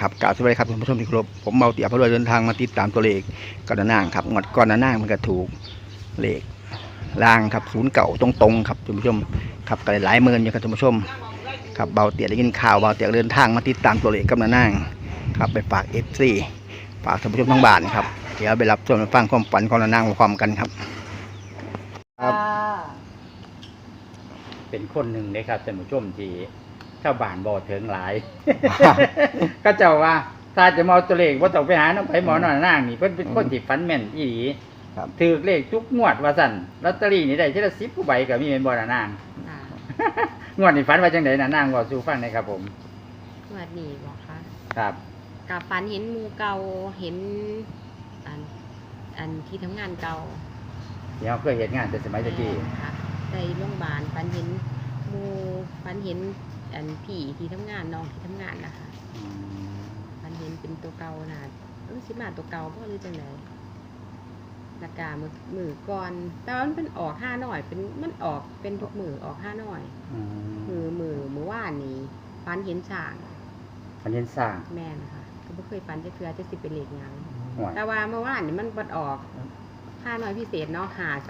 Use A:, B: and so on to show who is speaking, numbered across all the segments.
A: ครับกล่าวสวัสดีครับท่านผู้ชมที่เคารพผมเมาเตียพระรวยเดินทางมาติดตามตัวเลขก่อนหน้างครับงวดก่อนหน้างมันก็ถูกเลขล่างครับศูนย์เก่าตรงๆครับท่านผู้ชมครับก็หลายหมื่นอยู่ครับท่านผู้ชมครับเบาเตียได้ยินข่าวเบาเตียเดินทางมาติดตามตัวเลขก่อนหน้างครับไปฝากFCฝากท่านผู้ชมทั้งบ้านครับเดี๋ยวไปรับชมฟังความฝันของหน้างพร้อมกันครับครับ
B: เป็นคนหนึ่งนะครับท่านผู้ชมที่ชาวบ้านบ่ถึงหลาย ก็เจ้าว่าถ้าจะมาเอาตัวเลขว่าต้องไปหาน้องไผหมอนอนนางนี่เพิ่นเป็นคนที่ฝันแม่นอีหลี
A: ครับ
B: ถือเลขทุกงวดว่าสั่นลอตเตอรี่นี่ได้ทีละ10กว่าใบก็มีแม่นบ่ล่ะนาง
C: ค่ะ
B: งวดนี้ฝันว่าจังได๋น่ะนางเว้าสู่ฟังหน่อยครับผม
C: สวัสดีบอกค่ะ
B: ครับ
C: กับฝันเห็นหมูเก่าเห็นอันที่ทำงานเก่า
B: ที่เฮาเคยเฮ็ดงานแต่สมัยตะกี้
C: ค่ะในโรงพยาบาลฝันเห็นหมูฝันเห็นอันผีที่ทำงานน้องที่ทำงานนะคะ
B: อืม
C: ฝันเห็นเป็นตัวเก่านะสิมาตัวเก่าเพราะหรือจังไดราคามือก่อนแต่ว่ามันเป็นออก5หน่อยเป็นมันออกเป็นทุกมือออก5หน่อย
B: อืม
C: มือว่านนี้ฝันเห็นช้าง
B: มันเห็นสร้าง
C: แม่นค่ะก็บ่เคยฝันจะเทื่อจะสิเป็นเลขหยัง
B: ห่วย
C: แต่ว่าเมื่อวานนี่มันบัดออกค่าน้อยพิเศษเนาะ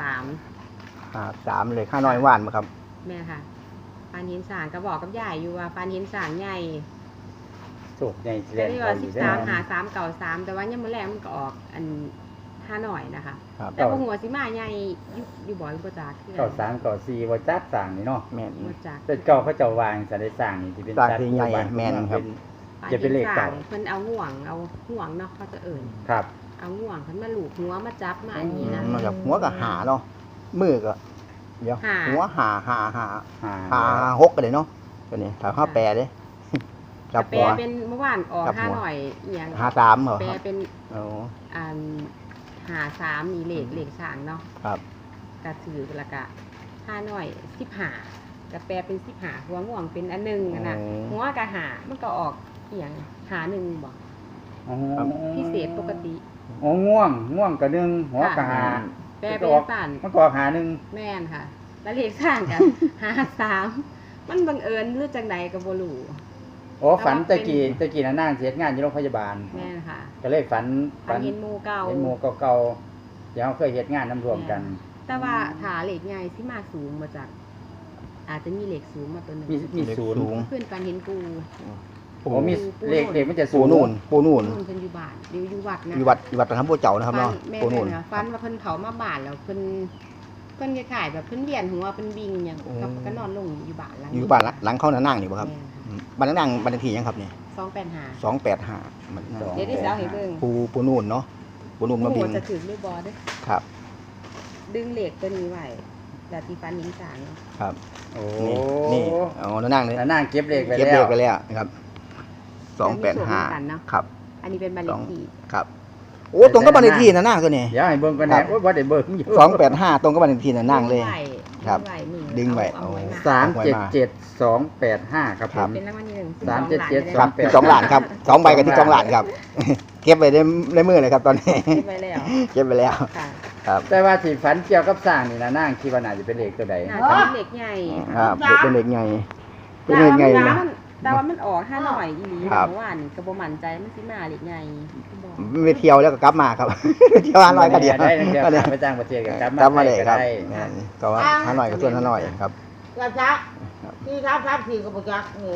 A: 3เลยค่าน้อยหวานมาครับ
C: แม่ค่ะปานหินสางก็บอกกับยายอยู่ว่าปานหินสางใหญ่
B: โชคใหญ่สิ
C: แต่
B: แล่น
C: ที่
B: เข้า
C: ว่า
B: อยู่
C: 13 เก่า3แต่ว่ายังมื้อแรกมันก็ออกอันค่าน้อยนะคะ
A: ครับ
C: แต่บ่ฮู้ว่าสิมาใหญ่อยู่บ่บ่จักคือ
B: เก้า3เก้า4บ่จัดสร้างนี่เนาะ
A: แม่น
C: บ่จัก
B: แต่เก่าเขาเจ้าวางจะได้สร้างนี่สิเป็น
A: สร้าง
B: จัด
A: ที่ใหญ่
B: บ้าน
A: แม่นครับ
B: จะเป็นเลขเก่า
C: เพิ่นเอาห่วงเนาะเขาจะเอิ้น
B: ครับ
C: เอาห่วงเพิ่นมาลูบหัวมาจับมาอันนี้นะ
A: นอกจากหัวก็หาเนาะมือก็เดี๋ยว
C: หา
A: หัวหา
B: หา
A: หกกันเลยเนาะตัวนี้ถ้าข้าแปลเด้จับ
C: แปล
A: หัว
C: เป็นเมื่อวานออก
A: จับหัว
C: 5หน่อยอีหยัง
A: 53เหรอ
C: แปล
A: ครับ
C: เป็น
A: โอ้
C: อัน53นี่เลขสางเนาะ
A: ครับ
C: กระถือแล้วก็5หน่อย15ก็แปลเป็น15หัวง่วงเป็นอันหนึงอะนะหัวก็หามันก็ออกอีหยังหาหนึ่งบ่
B: อ๋อ
C: พิเศษปกติ
B: อ๋อง่วงกะหนึ่งหัวกะหา
C: แปลเป็นฝัน
B: มันก็ออกหาหนึ่ง
C: แม่นค่ะ แล้วเลขสร้างกัน53มันบังเอิญหรือจังใดก็บ่รู้
B: โอ้ฝันตะกี้น่ะนางเสียงานอยู่โรงพยาบาล
C: แม่นค่ะ
B: ก็เลยฝัน
C: เห็นหมู่เก่า
B: เห็นหมู่เก่าๆอย่างเขาเคยเฮ็ดงานนํรวมกัน
C: แต่ว่าถ้าเลขใหญ่ที่มาสูงมาจากอาจจะมีเลขสูงมาตัวหนึง
B: มีศูนย์
A: สูง
C: เพื่อนฝันเห็นปู
B: โอ้มีเลขมันจะ
A: ปู
B: ศูนย์
A: นู่นปูนู่น
C: เพิ่นอยู่บ้านอยู่วัดนะ
A: อยู่วัดประทับบัวเจ้านะครับเนาะ
C: แม่
A: ปูนู่น
C: ค่ะฟันว่าเพิ่นเผามาบ้านแล้วเพิ่นคล้ายๆแบบเพิ่นเวียนหัวเพิ่นวิ่งหยังก็นอนลงอยู่บ้านหลัง
A: อยู่บ้านหลังเข้าหน้านั่งนี่บ่ครับ
C: แม่ค่ะ
A: บ้านนั่งบ้านเลขที่ยังครับเนี่ย
C: 285
A: 285มัน
C: เดี๋ยวได้สิเอาให้เบิ่ง
A: ปูนู่นเนาะปูนู่นมา
C: โอ้
A: บิ
C: โห
A: น
C: จะถึงด้วยบ่เด้อ
A: ครับ
C: ดึงเหล็กตัวนี้ไว้แล้วที่ฟันหินสางเนาะ
A: ครับ
B: โอ้
A: นี่เอาหน้านั่งเลย
B: แล้วนางเก็บเลขไว้
A: เก็บ
B: แล้
A: เล
B: ว
A: ขไปแล้วนะครับ285ครับ
C: อันนี้เป็นบ้านเลขที่
A: ครับโอ้ตรงกับบ้านเลขที่นะนั่งตัวนี้
B: เดี๋ยวให้เบิ่งกัน
A: ครั
B: แน่
A: บ
B: โอ้ยบ่ได้เบิ่งอยู่
A: 285ตรงกับบ้านเลขที่นะนั่งเลย ครับดึงไว้
C: เอาไว้มา
B: 377285ครับผ
A: ครับ
B: ม
C: เป็นรางวัลที่หนึ่ง
B: 377
A: ครับ12ล้านครับ2ใบกับ12ล้านครับ เก็บไว้ในมือเลยครับตอนนี้
C: เก็บไว้แล้ว
A: เก็บไปแล้ว
C: ค่ะ
A: ครับ
B: แต่ว่าที่ฝันเกี่ยวกับสร้างนี่นะนางคิดว่าน่าจะเป็นเลขตัวใด
C: น่าจะเป็นเหล็กใหญ่
A: ครับเป็นเด็กไงเป็นเด็กไงนะ
C: แต่ว่ามันออก5หน่อยอีหลี
A: ครับ
C: เมื่อวานก็บ่มั่นใจมันสิมาเหล็กใหญ่บอก
A: ไปเที่ยวแล้วก็กลับมาครับ เที่ยว100ก็เดียว
B: ได้ทั้งเดียวครับไปต่างประเทศกัน
A: กลับมาเลยครับ
B: ได้
A: แม่นก็ว่า100ก็ส่วน100ครับ
D: กระจักที่ทับสี่กับประจักนี่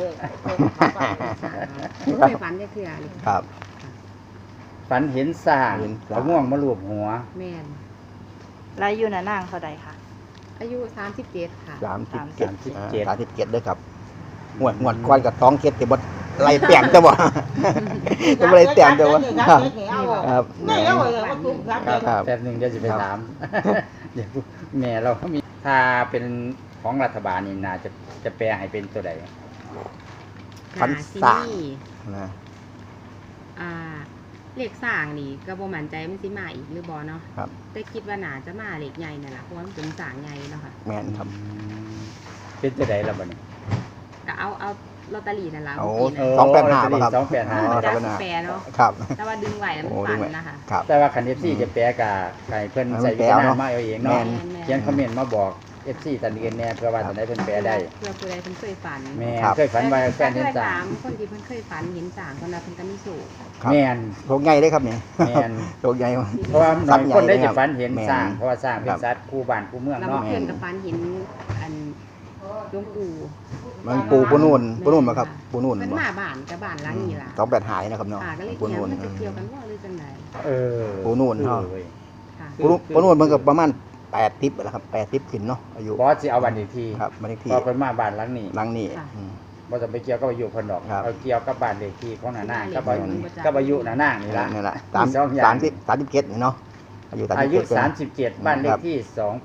C: บ่เคยฝันจะเทื่อเลย
A: ครับ
B: ฝันเห็นสร้าง
A: เห็นสร้าง
B: เอาง่วงมาลูบหัว
C: แม่น
E: แล้วอยู่น่ะนั่งเท่าใดคะ
C: อายุ37ค่ะ
A: 37ด้วยครับงวดก้อนกับท้องเค็ดแต่บ่ไล่เปลี่ยนแต่บ่จะบ่ไล่เปลี่ยนแต่บ่ครับครับ
D: ไม่เอาเลยว่าตุ้มครับ
B: ครับแป๊บหนึงเดี๋ยวจะไปถาม เดี๋ยวแม่เรามีถ้าเป็นของรัฐบาลนี่น่าจะแปลให้เป็นตัวใด
A: ฝันสร้าง
C: ที่นี่
A: นะ
C: อ่าเหล็กสร้างนี่ก็บ่มั่นใจมันสิมาอีกหรือบ่เนาะ
A: ครับ
C: แต่คิดว่าน่าจะมาเหล็กใหญ่นั่นล่ะเพราะว่ามันเป็นสร้างใหญ่เนาะค่ะ
A: แม่นครับ
B: เป็นตัวใดล่ะบัดนี้
C: ก็เอาลอตเตอรี่นั่นล่ะ
A: โอ้
C: เมื่อกี้
A: สองแปดห้าป่ะครับ
B: 285
C: นะมันจะ
A: ครับ
C: แปรเนาะ
A: ครับ
C: แต่ว่าดึงไหวแล้วมัน
A: โอ้
C: ฝั
A: ดึ
C: น
A: งไว้
C: นะคะ
A: ครับ
B: แต่ว่าคัน FC จะแปลกับไก่เพิ่นใส่วิจารณญาณมาเอาเองเนาะ
C: แม่นๆ
B: เขียนคอมเมนต์มาบอก FC ตันเรียนแน่เพื่อว่าจะได้เพิ่นแปลได้
C: เพื่อผู้ใดเพิ่นเคยฝัน
B: แม่
A: ครับ
B: เคยฝันว่าแฟนเห็น
C: เคย
B: สร้า
C: ถาง มคนที่เพิ่นเคยฝันเห็นสร้างคนนั้นเพิ่นก็มีสูง
A: ครับ
B: แม่น
A: โชคใหญ่เลยครับเนี่ย
B: แม่น
A: โชคใหญ่
B: เพราะว่าหน่อยคนได้
A: ทรั
B: จะ
A: พย์ใหญ่
B: ฝันเห็น
A: แม่น
B: สร้างเพราะว่าสร้างเป็
A: ครั
B: น
A: บ
B: สัตว์คู่บ้านคู่เมือง
C: แล้ว
B: เนาะ
C: เพิ่นก็ฝันเห็นอันหลวงปู่
A: มันปูนู่นมาครับปูนู่น
C: เพิ่น
A: บ่
C: มาบ้านกับบ้านหลังนี้ล่ะ
A: 285หายนะครับเนาะ
C: ค่ะก็เลย
A: ปู
C: เกี่ยว
A: นู่น
C: มันจะเกี่ยวกันว่าหรือจังได
B: เออ
A: ปูนู่นเนาะ
B: เว้ย
C: ค่ะ
A: ปูนู่นมันก็ประมาณ80แล้วครับ80ขึ้นเนาะอายุ
B: บอสสิเอาบันอีกที
A: ครับบ้านเลขที่
B: พอเพิ่นมาบ้านหลังนี้
A: หลังนี้อืม
B: บ่ต้องไปเกี่ยวกับอายุเพิ่นดอก
A: ครับ
B: เอาเกี่ยวกับบ้านเลขที่ของหน้านางกับ
C: บ้า
B: อายุ
C: นเลขที่
B: กับอายุหน้านางนี่ล่ะ
A: นี่แหละ
B: มีสองอย่าง
A: 37เนาะอายุ
B: อายุ
A: 37
B: 37บ้านเลขที่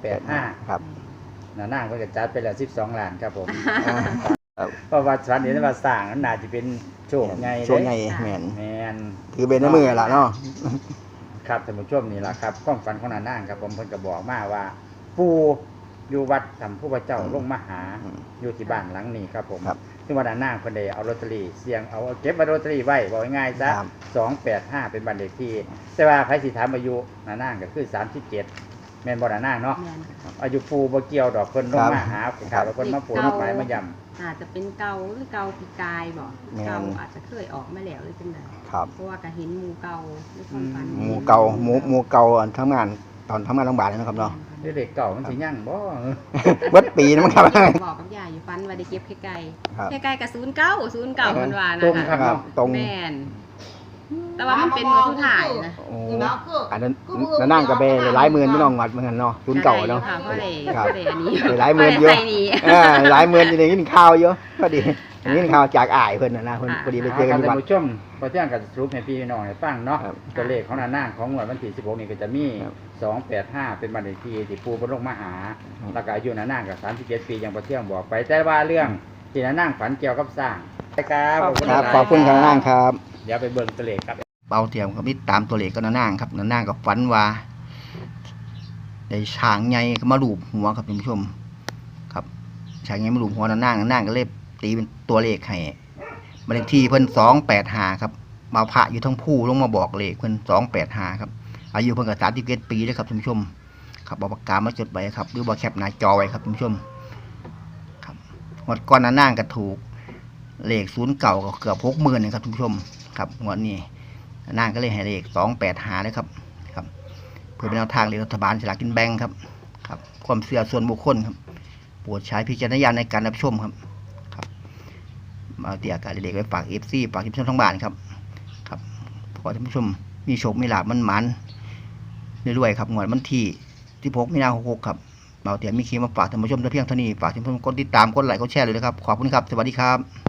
B: 285
A: ครับ
B: หน้านางเพิ่นก็จัดไปแล้ว12ล้านครับผม
A: อ่าครับ
B: เพราะว่าฝันเห็นว่าสร้างนั้นน่าจะเป็นโชคใหญ่
A: ช่วงใหญ่
B: เด้
A: แม่น
B: แม่น
A: ถือเป็นในมือล่ะเนาะ
B: ครับท่านผู้ชมนี่ล่ะครับความฝันของหน้านางครับผมเพิ่นก็บอกมาว่า ปู่อยู่วัดสัมพุทธเจ้าลงมาหา
A: อืม
B: อยู่ที่บ้านหลังนี้ครับผม
A: ครับ
B: ซึ่งวันนั้นนางเพิ่นได้เอาลอตเตอรี่เสี่ยงเอาเก็บไว้ลอตเตอรี่ไว้บอกง่ายๆซะ
A: ครับ
B: 285เป็นบ้านเลขที่ แต่ว่าใครสิถามอายุนานางก็คือ37แม่นบ่นานางเนาะ
C: แม่นค่ะ
B: อายุปู่บ่เกี่ยวดอกเพิ่นลงมาหา
A: ครั
B: ข่าว
A: บ
B: แล้วเพิ่นมาปู่มาหมายมาย้ำ
C: อาจจะเป็นเกาหรือเกาปีกายบ่
A: แม่น
C: เกาอาจจะเคยออกมาแล้วหรือจังได
A: ครับ
C: เพราะว่าก็เห็นหมู่เก่าในความฝัน
A: หมูเก่าหมูเก่าทำงานตอนทำงานโรงพยาบาลนะครับเนาะ
B: เด็กเก่ามันสิยังบ่
A: เบิดปีนะมั้งครับ
C: บอกกับยายอยู่ฝันว่าได้เก็บไก่
A: ครับ
C: ไก่กับ09เพิ่นว่า
B: ตรง
C: นะ
B: ครั
C: คะ
B: บ
A: ตรง
C: แม่นแต่ว่ามันเป็นมือสุดท้ายนะ
A: โอ้
D: นี่นะคือ
A: อันนั้นนั่งกับเบหลายหมื่นพี่น้องวัดเหมือนกันเนาะศูนย์เก่าเนาะ
C: ค่ะเพราะได้
A: ครับ
C: เพราะได้อันนี้
A: หลายหมื่นเยอะ
C: พราได้ใส่นี่
A: หลายหมื่นอยู่ในกินข้าวเยอะพอดีอย่างนี้ข้าวจากอ้ายเพิ่นนะเพิ่นพอดีไปเจอกันที่
B: ท่า
A: วัด
B: นผู้ชมพอเที่ยงกับสรุปให้พี่น้องให้ฟังเนาะ
A: ครับ
B: ตัวเลขของนางของงวดวันที่16นี่ก็จะมี
A: ครับ
B: 285เป็นบ้านเลขที่ที่ปู่เพิ่นลงมาหา
A: ครับ
B: แล้วก็อายุนางก็37ปีอย่างพอเที่ยงบอกไปแต่ว่าเรื่องที่นางฝันเกี่ยวกับสร้างครับขอบคุณ
A: ครับ
B: หลายๆ
A: ขอบคุณครับนั่งครับ
B: เดี๋ยวไปเบิ่งตัวเลขครับ
A: เบาเทียมก็มีตามตัวเลขก็นั่งครับนั่งกับฝันว่าได้ช้างใหญ่มาลูบหัวครับท่านผู้ชม ครับช้างใหญ่มาลูบหัวนั่งก็เลยตีเป็นตัวเลขให้บ้านเลขที่เพิ่น285ครับมาพระอยู่ทั้งผู้ลงมาบอกเลขเพิ่น285ครับอายุเพิ่นก็37ปีแล้วครับท่านผู้ชม ครับเอาปากกามาจดไว้ครับหรือว่าแคปหน้าจอไว้ครับท่านผู้ชม ครับงวดก่อนนั่งก็ถูกเลข0เก่าก็เกือบ60,000นะครับท่านผู้ชมครับงวดนี้นั่งก็เลยให้เลข285เลยครับครับ เพื่อเป็นแนวทางเลขรัฐบาลฉลากกินแบ่งครับครับ ความเชื่อส่วนบุคคลครับโปรดใช้พิจารณญาณในการรับชมครับครับมาเตียการเด็กไว้ฝาก FC ฝากท่านผู้ชมทั้งบ้านครับครับขอท่านผู้ชมมีโชคมีลาภมันๆรวยๆครับงวดวันที่16 มีนาคม 66ครับเบาเตียมีคลิปมาฝากท่านผู้ชมแต่เพียงเท่านี้ฝากท่านผู้ชมกดติดตามกดไลค์กดแชร์เลยนะครับขอบคุณครับสวัสดีครับ